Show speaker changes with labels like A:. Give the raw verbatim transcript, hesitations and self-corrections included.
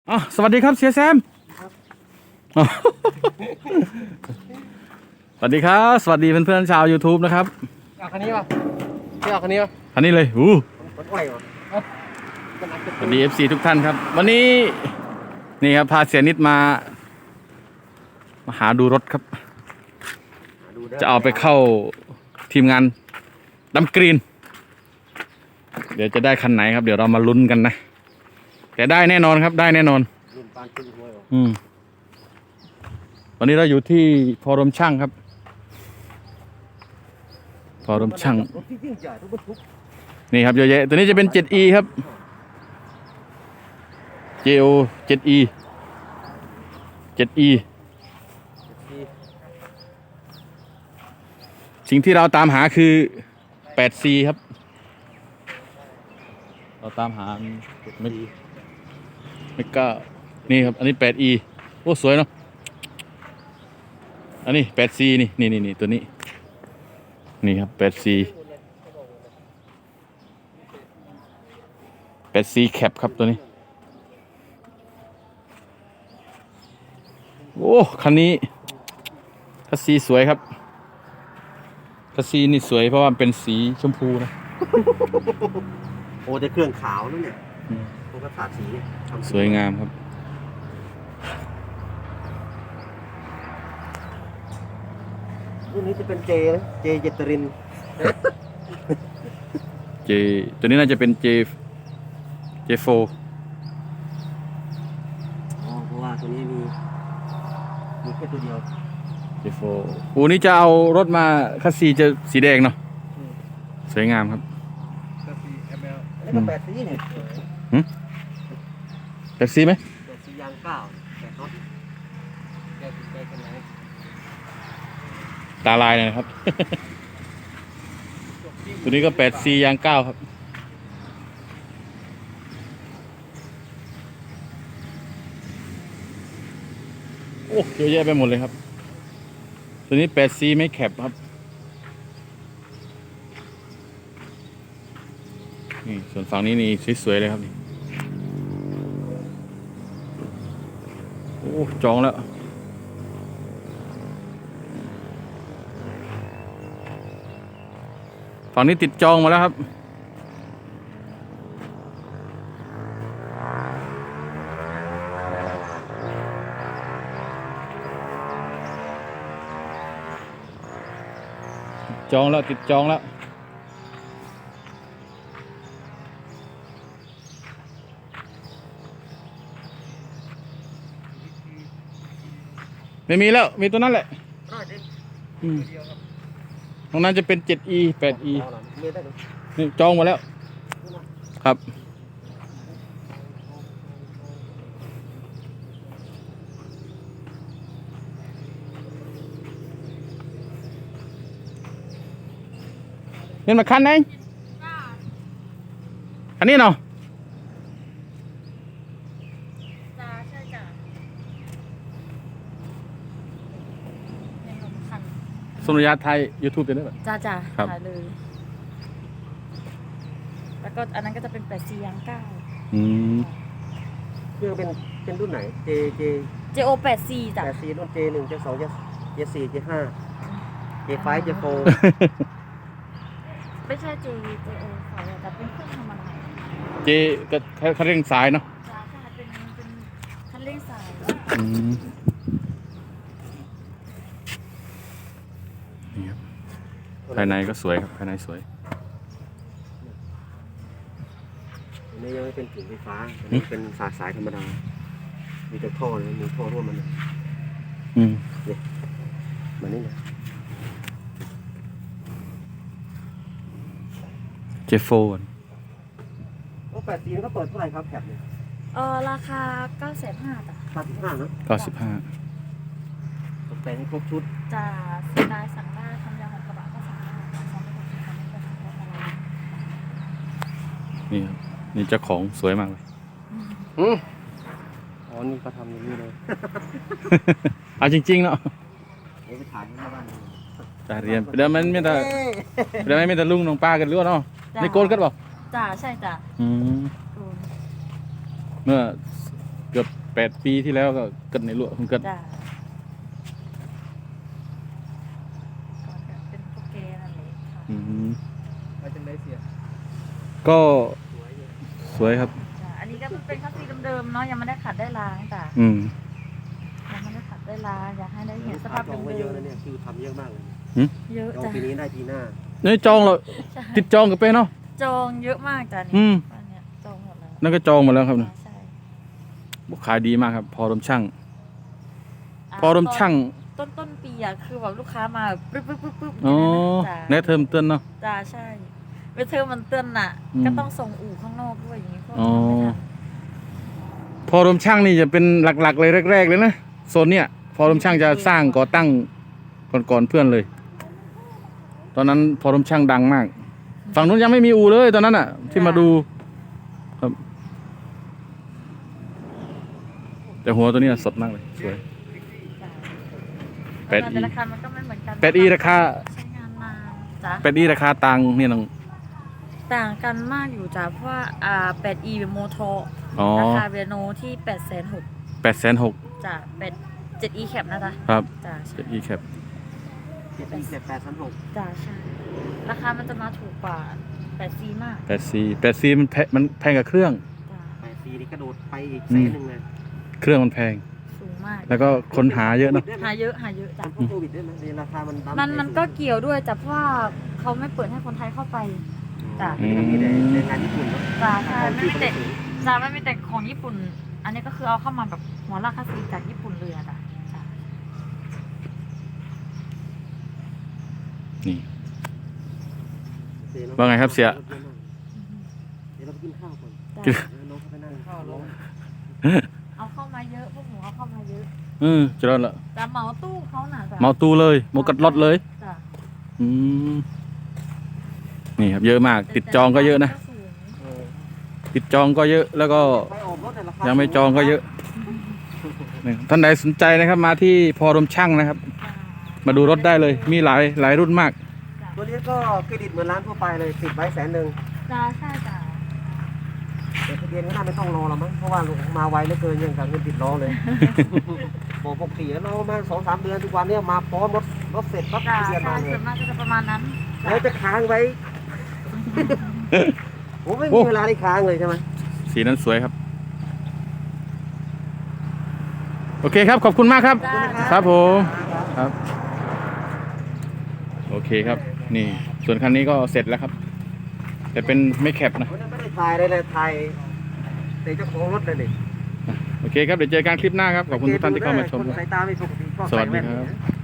A: อ๋อสวัสดีครับเสียแซมอ๋อสวัสดีครับสวัสดีเพื่อนๆชาว YouTube นะครับ
B: เอาคันนี้ป่ะพี่เอาคันนี้ป่ะ
A: อันนี้เลยอู้
B: รถไหวป่ะ
A: สวัสดี เอฟ ซี ทุกท่านครับวันนี้นี่ครับพาเสียนิดมามาหาดูรถครับจะเอาไปเข้าทีมงานดำกรีนเดี๋ยวจะได้คันไหนครับเดี๋ยวเรามาลุ้นกันนะแต่ได้แน่นอนครับได้แน่นอน
B: รุ่นปานขึ้นห้วยป่ะ
A: อืมวันนี้เราอยู่ที่พอรมช่างครับพอรมช่าง
B: รถที่ยิ่งใหญ่ทุกบรรทุก
A: นี่ครับเยอะแยะตัวนี้จะเป็น เจ็ดอี ครับ เจ โอ เจ็ดอี เจ็ดอี สิ่งที่เราตามหาคือ แปดซี ครับเราตามหาไม่ไม่กล้านี่ครับอันนี้ แปดอี โอ้สวยเนาะอันนี้ แปดซี นี่นี่นี่นี่ตัวนี้นี่ครับ แปดซี แปดซี แคปครับตัวนี้โอ้คันนี้คัสซีสวยครับคัสซีนี่สวยเพราะว่าเป็นสีชมพูนะ
B: โอ้แต่เครื่องขาวนั่นเนี่ยพวกกระสาสี
A: สวยงามครับ
B: รุ่นนี้จะเป็นเจนะเจเจตริน
A: เจตัวนี้น่าจะเป็นเจเจโฟ
B: อ๋อเพราะว่าตัวนี้มีมีแค่ตัวเดียว
A: เจโฟอูนี้จะเอารถมาคัสซีจะสีแดงเนาะสวยงามครับ
B: คัสซี เอ็ม แอล แล้วก็แปดซีเนี่ย
A: หืมแปดซีไหม
B: แปดซียางเก้าแปดรถแปดซีแปดกันไหน
A: ตาลายเลยนะครับ ตัวนี้ก็แปดซียางเก้าครับโอ้เยอะแยะไปหมดเลยครับตัวนี้ แปดซี ไม่แคปครับนี่ส่วนฝั่งนี้นี่สวยๆเลยครับนี่โอ้จองแล้วฝั่งนี้ติดจองมาแล้วครับจองแล้วติดจองแล้วไม่มีแล้วมีตัวนั้นแหละอืมตรงนั้นจะเป็น เจ็ดอี แปดอี นี่จองหมดแล้วครับเงินมาคันไหนอันนี้เนาะ
C: จ้าใช่จ้ะในลมคัน
A: สุริยะไทย YouTube จะได้แบบ
C: จ้าจ้า
A: ครับ
C: ถ่ายเลยแล้วก็อันนั้นก็จะเป็นแปดซียางเก้า
A: อืม
B: เครื่องเป็นเป็นรุ่นไหนเจเจ
C: เจโอแปดซีจ้ะ
B: แปดซีรุ่นเจหนึ่งเจสองเจเจสี่เจห้าเจไฟเจโฟ
C: ไม่ใช่เจเจโอค่ะแต่เป็นเครื่องธรรมดา
A: เจก็เขาเร่งสายเนาะ
C: จ้าใช่เป็นเป็นคันเร่งสาย
A: อืมนี่ครับภายในก็สวยครับภายในสวย
B: อันนี้ยังไม่เป็นถึงไฟฟ้าอันนี้เป็นสายสายธรรมดามีแต่ท่อเลยมีท่อร่วมมัน
A: อืม
B: นี่มันนี่นะ
A: เจโฟน
B: โอ้แปดซีก็เปิดเท่าไหร่ครับแคปเนี่ย
C: เออราคาเก้าแสนห้าจ้ะ
B: เก้าสิบห้าเนาะ
A: เก้าสิบห้า
B: ตกแต่งให้ครบชุด
C: จะสไตล์สั่งได้ทำยางของกระบะก็สั่งได้สั่งได้หมดสั่งได้หมดอะไร
A: นี่ครับนี่เจ้าของสวยมากเลย
B: อืมอ๋อนี่ก็ทำอย่างนี้เลย
A: เอาจริงๆเนาะ
B: เดี๋ยวไปถ่ายที่บ้าน
A: จ่าเรียนเดี๋ยวมันไม่แต่เดี๋ยวไม่แต่ลุงน้องป้ากันรู้เนาะนี่โกนกันบอก
C: จ้าใช่จ้ะ
A: อืมเมื่อเกือบแปดปีที่แล้วก็เกิดในหลวงเกิด
C: จ้าก่อนจะเป็นพวกเกย์นั่นแหละค่ะ
A: อืม
B: ไปจังได้เสีย
A: ก็
B: สวยอยู่
A: สวยครับ
C: จ้ะอันนี้ก็เป็นคัสซีเดิมๆเนาะยังไม่ได้ขัดได้ล้างจ้ะ
A: อืม
C: ยังไม่ได้ขัดได้ล้างอยากให้ได้เห็นสภาพ
B: จ
C: เดิ
B: อง
C: ม
B: ไว้เยอะนะเนี่ยคือทำเยอะมากเลย
C: เยอะ
B: จอง
C: จ้ะ
B: ปีนี้ได้ปีหน้า
A: นี่จองเรา
C: ใช่
A: ติดจองกันไปเนาะ
C: จองเยอะมากจ้ะ
A: อื
C: นี่
A: ม
C: บ้านเนี่ยจองหมดแล้ว
A: นั่นก็จองหมาแล้วครับ
C: ใช่
A: ขายดีมากครับ พอรมช่าง
C: ะ
A: พอรมช่าง
C: ต้นต้นปีอะคือแบบลูกค้ามาปึ๊บปึ๊บปึ๊บปึ๊บ
A: อ๋อ
C: จ้ะ
A: แนทเทอมเตือนเนาะ
C: จ้าใช่เวทเทอร์มันเตือนน่ะ
A: อืม
C: ก็ต้องส่งอู่ข้างนอกด้วยอย่างนี้พวก
A: อ๋อ
C: ทำไม่ทัน
A: พอรมช่างนี่จะเป็นหลักๆเลยแรก ๆ เลยนะโซนเนี้ยพอรมช่างจะสร้างก่อตั้งก่อนๆเพื่อนเลย ตอนนั้นพอรมช่างดังมาก ฝั่งนู้นยังไม่มีอูเลยตอนนั้นอ่ะ ที่มาดูครับ แต่หัวตัวเนี้ยสดมากเลยสวย
C: จ้ะ
A: แปด E
C: แต่ราคามันก็ไม่เหมือนกัน
A: แปด E ราคา
C: ใช้งานนานจ้ะ
A: แปดอีราคาตังค์เนี่ยน้อง
C: ต่างกันมากอยู่จ้ะเพราะว่าอ่า แปด อี เป็นโมโท
A: อ๋อ
C: ราคาเบียโนที่แปดแสนหก
A: แปดแสนหก
C: จ้ะแปดเจ็ด อี แคปนะจ๊ะ
A: ครับ
C: จ้ะ
A: เจ็ดอีแคป
B: เจ็ดปีเจ็ดแปดพันหก
C: จ้ะใช่ราคามันจะมาถูกกว่าแปด ซี มาก
A: แปดซีแปดซีมันแพงมันแพงกับเครื่อง
C: จ้ะ
B: แปดปีนี่กระโดดไปอีกแสนหนึ่งเลย
A: เครื่องมันแพง
C: สูงมาก
A: แล้วก็คนหาเยอะเนาะ
C: หาเยอะหาเยอะจ้ะ
B: เพราะโควิดด้วยนะในราคามันดั้
C: มันมันก็เกี่ยวด้วยจ้ะเพราะว่าเขาไม่เปิดให้คนไทยเข้าไป จ้ะ
B: อืมมีแต่ในงานญี่ปุ่นเนาะ
C: จ้ะใช่ไม่
B: ที่
C: มี
B: เขา
C: แต่
B: ไม่ถึง
C: จ้ะไม่มีแต่ของญี่ปุ่น อันนี้ก็คือเอาเข้ามาแบบหัวราคาสีจากญี่ปุ่นเลยอะจ้ะจ้ะ
A: นี่
B: เดี๋ยว
A: ว่าไงครับเสีย
B: เดี๋ยวเราไปกินข้าวก่อน
C: จ้ะ
B: เดี๋ยวน้องเขาไปนั่งข้าวรอ
C: เอาเข้ามาเยอะพวกหมูเอาเข้ามาเยอะ
A: เออจะรอดละ
C: จ้ะเหมาตู้เขาน่ะจ้ะ
A: เมาตูเลยเมากัดรถเลย
C: จ้ะ
A: อืมนี่ครับเยอะมาก ติดจองก็เยอะนะ
C: สูง
B: เออ
A: ติดจองก็เยอะแล้วก็
B: ไปออกรถแต่ราคา
A: ยังไม่จองก็เยอะนี่ท่านใดสนใจนะครับ มาที่พอรมช่างนะครับ
C: จ้ะ
A: มาดูรถได้เลย มีหลายหลายรุ่นมาก
C: จ้ะ
B: ตัวนี้ก็เครดิตเหมือนร้านทั่วไปเลยติดไว้แสนหนึ่ง
C: จ้ะใช่จ้ะ
B: แต่ทะเบียนก็น่าไม่ต้องรอแล้วมั้งเพราะว่ามาไวเหลือเกินยังกับเงินติดล้อเลย บอกปกติเรามาสองสามเดือนทุกวันเนี่ยมาพร้อมรถรถเสร็จปั๊บ
C: จ้ะ
B: ทะเบียน
C: ใช่
B: มาเล
C: ส่
B: ย
C: วนมากก็จะประมาณนั้น
B: แล้วจะค้างไว้ ผมไม่
A: โอ้
B: มีเวลาได้ค้างเลยใช่ไหม
A: สีนั้นสวยครับ โอเคครับ ขอบคุณมากครับ
C: จ้ะ
A: ครับผมครับ โอเคครับ นี่ ส่วนคันนี้ก็เสร็จแล้วครับ แต่เป็นไม่แคปนะ
B: ผมยังไม่ได้ถ่ายเลยเลยถ่ายแต่เจ้าของรถเลยดิ
A: โอเคครับ เดี๋ยวเจอกันคลิปหน้าครับ ขอบคุณทุกท่านที่เข้ามาชม
B: คน
A: ครับ
B: สายตาไม่ปกติก็
A: สวั
B: ใส่
A: สดี
B: แว่น
A: ครับ
B: เนี่ย